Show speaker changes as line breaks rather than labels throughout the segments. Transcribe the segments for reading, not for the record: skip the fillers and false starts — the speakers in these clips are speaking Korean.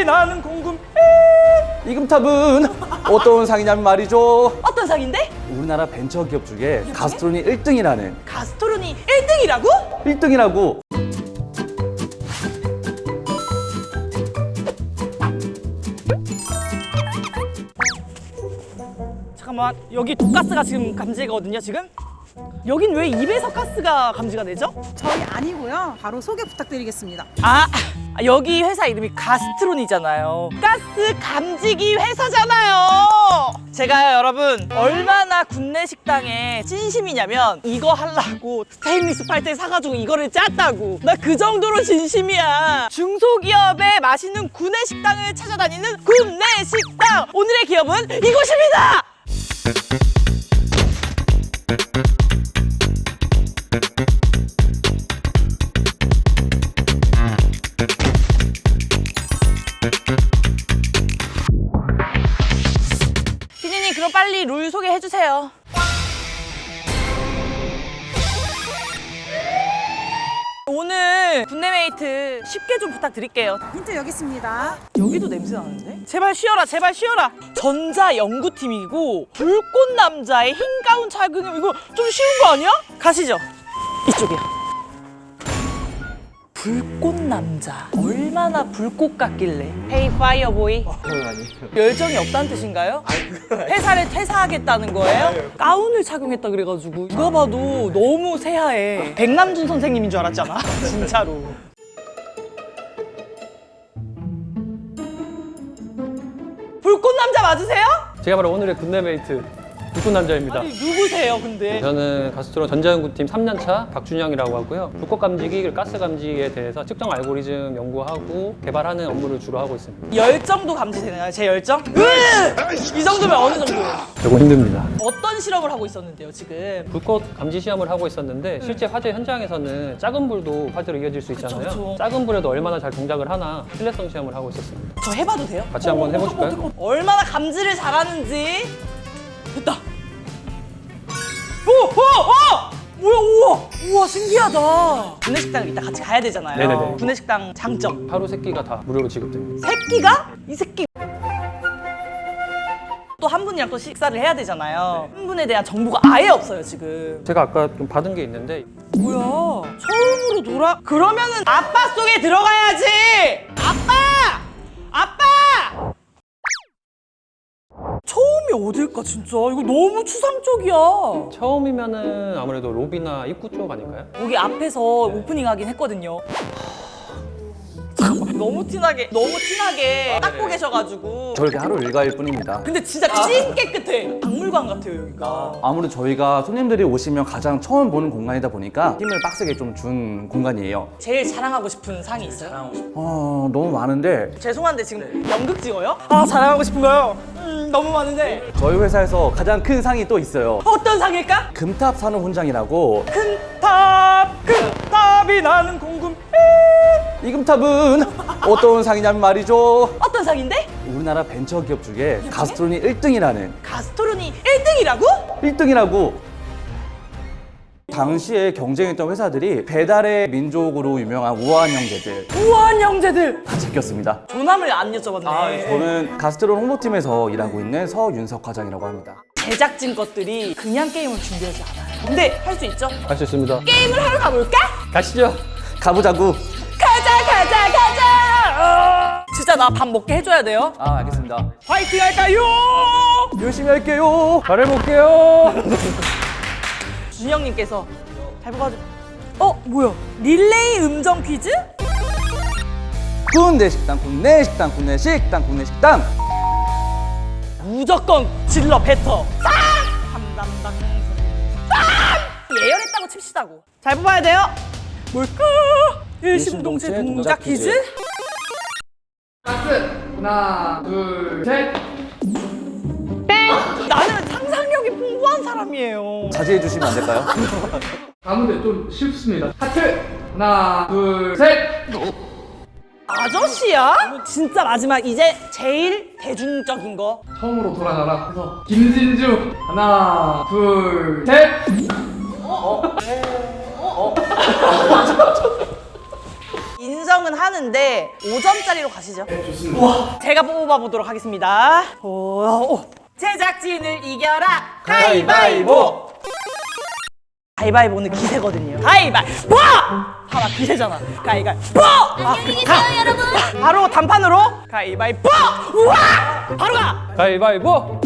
나는 궁금해.
이 금탑은 어떤 상이냐면 말이죠.
어떤 상인데?
우리나라 벤처기업 중에 가스트론이 1등이라는
가스토론이 1등이라고?
1등이라고.
잠깐만, 여기 독가스가 지금 감지거든요, 지금? 여긴 왜 입에서 가스가 감지가 되죠?
저희 아니고요. 바로 소개 부탁드리겠습니다.
아, 여기 회사 이름이 가스트론이잖아요. 가스 감지기 회사잖아요. 제가 여러분 얼마나 국내 식당에 진심이냐면 이거 하려고 스테인리스 팔대 사가지고 이거를 짰다고. 나 그 정도로 진심이야. 중소기업의 맛있는 구내 식당을 찾아다니는 구내 식당. 오늘의 기업은 이곳입니다. 피디님, 그럼 빨리 룰 소개해 주세요. 오늘 군내메이트 쉽게 좀 부탁드릴게요.
힌트 여기 있습니다.
여기도 냄새 나는데? 제발 쉬어라, 제발 쉬어라. 전자 연구팀이고 불꽃 남자의 흰 가운 착용. 이거 좀 쉬운 거 아니야? 가시죠. 이쪽이요. 불꽃 남자. 얼마나 불꽃 같길래. 헤이 파이어 보이. 열정이 없다는 뜻인가요? 회사를 퇴사하겠다는 거예요? 가운을 착용했다 그래가지고 누가 봐도 너무 새하해. 백남준 선생님인 줄 알았잖아. 진짜로. 불꽃 남자 맞으세요?
제가 바로 오늘의 굿네메이트 불꽃 남자입니다.
아니 누구세요 근데?
저는 가스트론 전자연구팀 3년차 박준영이라고 하고요. 불꽃 감지기, 그리고 가스 감지기에 대해서 특정 알고리즘 연구하고 개발하는 업무를 주로 하고 있습니다.
열정도 감지되나요? 제 열정? 이 정도면 어느 정도예요?
조금 힘듭니다.
어떤 실험을 하고 있었는데요 지금?
불꽃 감지 시험을 하고 있었는데 실제 화재 현장에서는 작은 불도 화재로 이어질 수 있잖아요.
그쵸.
작은 불에도 얼마나 잘 동작을 하나 신뢰성 시험을 하고 있었습니다.
저 해봐도 돼요?
같이 한번 해보실까요?
얼마나 감지를 잘하는지. 됐다. 오! 뭐야, 우와, 신기하다. 구내식당을 이따 같이 가야 되잖아요.
네네네.
구내식당 장점.
하루 3끼가 다 무료로 지급됩니다.
새끼가? 이 새끼. 또 한 분이랑 또 식사를 해야 되잖아요. 한 분에 대한 정보가 아예 없어요, 지금.
제가 아까 좀 받은 게 있는데
뭐야? 처음으로 돌아? 그러면은 아빠 속에 들어가야지! 아빠! 아빠! 처음이 어딜까, 진짜? 이거 너무 추상적이야.
처음이면은 아무래도 로비나 입구 쪽 아닐까요?
여기 앞에서 오프닝 하긴 했거든요. 잠깐만, 너무 티나게 닦고 계셔가지고.
저렇게 하루 일과일 뿐입니다.
근데 진짜 찐 깨끗해. 박물관 같아요, 여기가.
아무래도 저희가 손님들이 오시면 가장 처음 보는 공간이다 보니까 힘을 빡세게 좀 준 공간이에요.
제일 자랑하고 싶은 상이 있어요?
너무 많은데
죄송한데 지금 연극 찍어요? 아, 자랑하고 싶은 거요? 너무 많은데.
저희 회사에서 가장 큰 상이 또 있어요.
어떤 상일까?
금탑 산업훈장이라고.
금탑이 나는 궁금해.
이 금탑은 어떤 상이냐면 말이죠.
어떤 상인데?
우리나라 벤처기업 중에 가스트론이 1등이라는
가스토론이 1등이라고?
1등이라고. 당시에 경쟁했던 회사들이 배달의 민족으로 유명한 우아한 형제들
우아한 형제들.
다 제꼈습니다.
조남을 안 여쭤봤네.
저는 가스트론 홍보팀에서 일하고 있는 서윤석 과장이라고 합니다.
제작진 것들이 그냥 게임을 준비하지 않아요. 근데 할 수 있죠?
할 수 있습니다.
게임을 하러 가볼까?
가시죠.
가보자고.
가자. 진짜 나 밥 먹게 해줘야 돼요.
알겠습니다.
화이팅 할까요?
열심히 할게요.
잘해볼게요.
준영님께서 잘 봐가지고. 뭐야? 릴레이 음정 퀴즈?
군내 식당, 군내 식당, 군내 식당, 군내 식당.
무조건 질러 뱉어. 쌈! 담담당. 쌈! 예열했다고 칩시다고. 잘 뽑아야 돼요. 뭘까? 일심동체 동작 퀴즈?
하나, 둘, 셋.
나는 상상력이 풍부한 사람이에요.
자제해 주시면 안 될까요?
가운데 좀 쉽습니다. 하트. 하나, 둘, 셋.
아저씨야? 진짜 마지막 이제 제일 대중적인 거.
처음으로 돌아가라 해서 김진주. 하나, 둘, 셋.
인정은 하는데 5점짜리로 가시죠. 좋습니다. 제가 뽑아보도록 하겠습니다. 오. 제작진을 이겨라 가위바위보. 가위바위보는 기세거든요. 가위바위보! 봐봐 기세잖아. 가위바위보! 안녕히 계세요 여러분. 바로 단판으로 가위바위보! 우와! 바로 가!
가위바위보!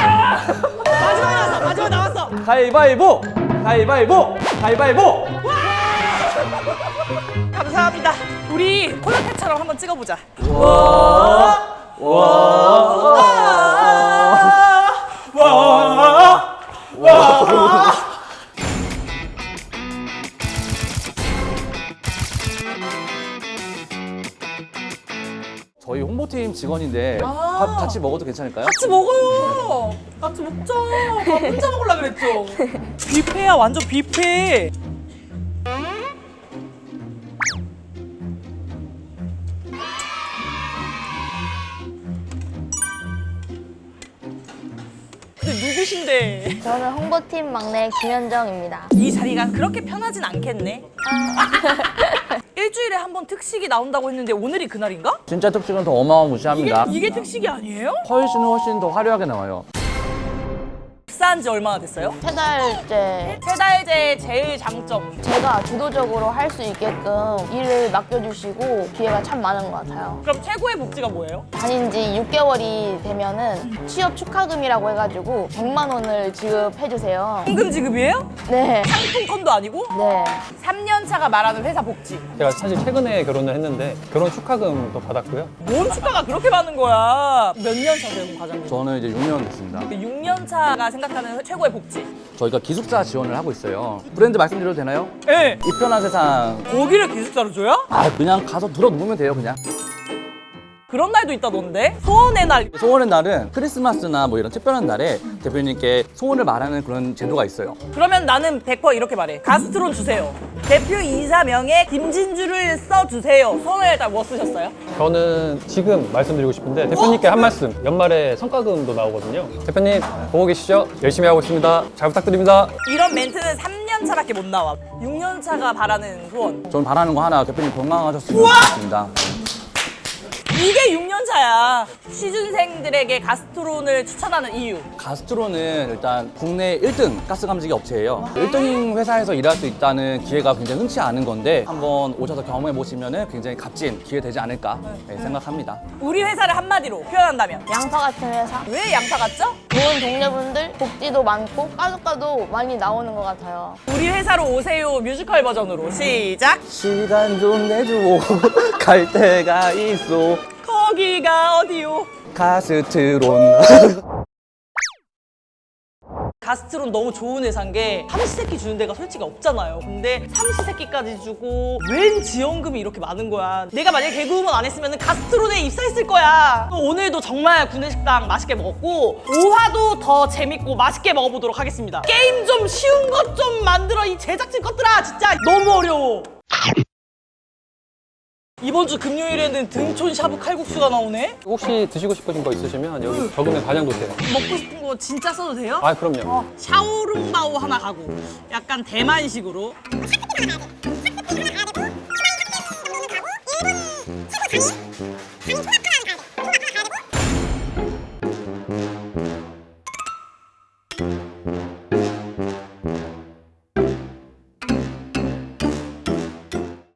마지막 나왔어.
가위바위보! 가위바위보! 가위바위보!
감사합니다. 우리 콜라텍처럼 한번 찍어보자.
저희 홍보팀 직원인데 밥 같이 먹어도 괜찮을까요?
같이 먹어요. 같이 먹자. 밥 혼자 먹으려 그랬죠. 뷔페야 완전 뷔페. 근데 누구신데?
저는 홍보팀 막내 김현정입니다.
이 자리가 그렇게 편하진 않겠네. 일주일에 한 번 특식이 나온다고 했는데 오늘이 그날인가?
진짜 특식은 더 어마어마무시합니다.
이게 특식이 아니에요?
훨씬 더 화려하게 나와요.
입사한 지 얼마나 됐어요?
3달째
세 달째 제일 장점.
제가 주도적으로 할 수 있게끔 일을 맡겨주시고 기회가 참 많은 것 같아요.
그럼 최고의 복지가 뭐예요?
다닌 지 6개월이 되면은 취업 축하금이라고 해가지고 100만 원을 지급해주세요.
현금 지급이에요?
네.
상품권도 아니고?
네.
3년 차가 말하는 회사 복지.
제가 사실 최근에 결혼을 했는데 결혼 축하금도 받았고요.
뭔 축하가 그렇게 많은 거야? 몇 년 차세요, 과장님?
저는 이제 6년 됐습니다.
6년 차가 생각하는 최고의 복지.
저희가 기숙사 지원을 하고 있어요. 브랜드 말씀드려도 되나요?
네.
이 편한 세상.
거기를 기숙사로 줘요?
아, 그냥 가서 들어 누우면 돼요, 그냥.
그런 날도 있다던데? 소원의 날.
소원의 날은 크리스마스나 뭐 이런 특별한 날에 대표님께 소원을 말하는 그런 제도가 있어요.
그러면 나는 100% 이렇게 말해. 가스트론 주세요. 대표 이사명에 김진주를 써주세요. 소원의 날 뭐 쓰셨어요?
저는 지금 말씀드리고 싶은데 대표님께 한 말씀. 연말에 성과금도 나오거든요. 대표님 보고 계시죠? 열심히 하고 있습니다. 잘 부탁드립니다.
이런 멘트는 3년 차밖에 못 나와. 6년 차가 바라는 소원.
저는 바라는 거 하나, 대표님 건강하셨으면 좋겠습니다.
이게 6년 차야. 취준생들에게 가스트론을 추천하는 이유.
가스트로는 일단 국내 1등 가스 감지기 업체예요. 1등 회사에서 일할 수 있다는 기회가 굉장히 흔치 않은 건데 한번 오셔서 경험해 보시면 굉장히 값진 기회 되지 않을까 생각합니다.
우리 회사를 한마디로 표현한다면
양파 같은 회사.
왜 양파 같죠?
좋은 동료분들, 복지도 많고 까도까도 많이 나오는 것 같아요.
우리 회사로 오세요 뮤지컬 버전으로 시작.
시간 좀 내줘 갈 데가 있어
거기가 어디요?
가스트론.
가스트론 너무 좋은 회사인 게 삼시세끼 주는 데가 솔직히 없잖아요. 근데 삼시세끼까지 주고 웬 지원금이 이렇게 많은 거야. 내가 만약에 개그우먼 안 했으면 가스트론에 입사했을 거야. 오늘도 정말 구내식당 맛있게 먹었고 5화도 더 재밌고 맛있게 먹어보도록 하겠습니다. 게임 좀 쉬운 것 좀 만들어 이 제작진 것들아. 진짜 너무 어려워. 이번 주 금요일에는 등촌 샤브 칼국수가 나오네?
혹시 드시고 싶으신 거 있으시면 여기 적으면 반영도 돼요.
먹고 싶은 거 진짜 써도 돼요?
아 그럼요.
샤오룽바오 하나 가고 약간 대만식으로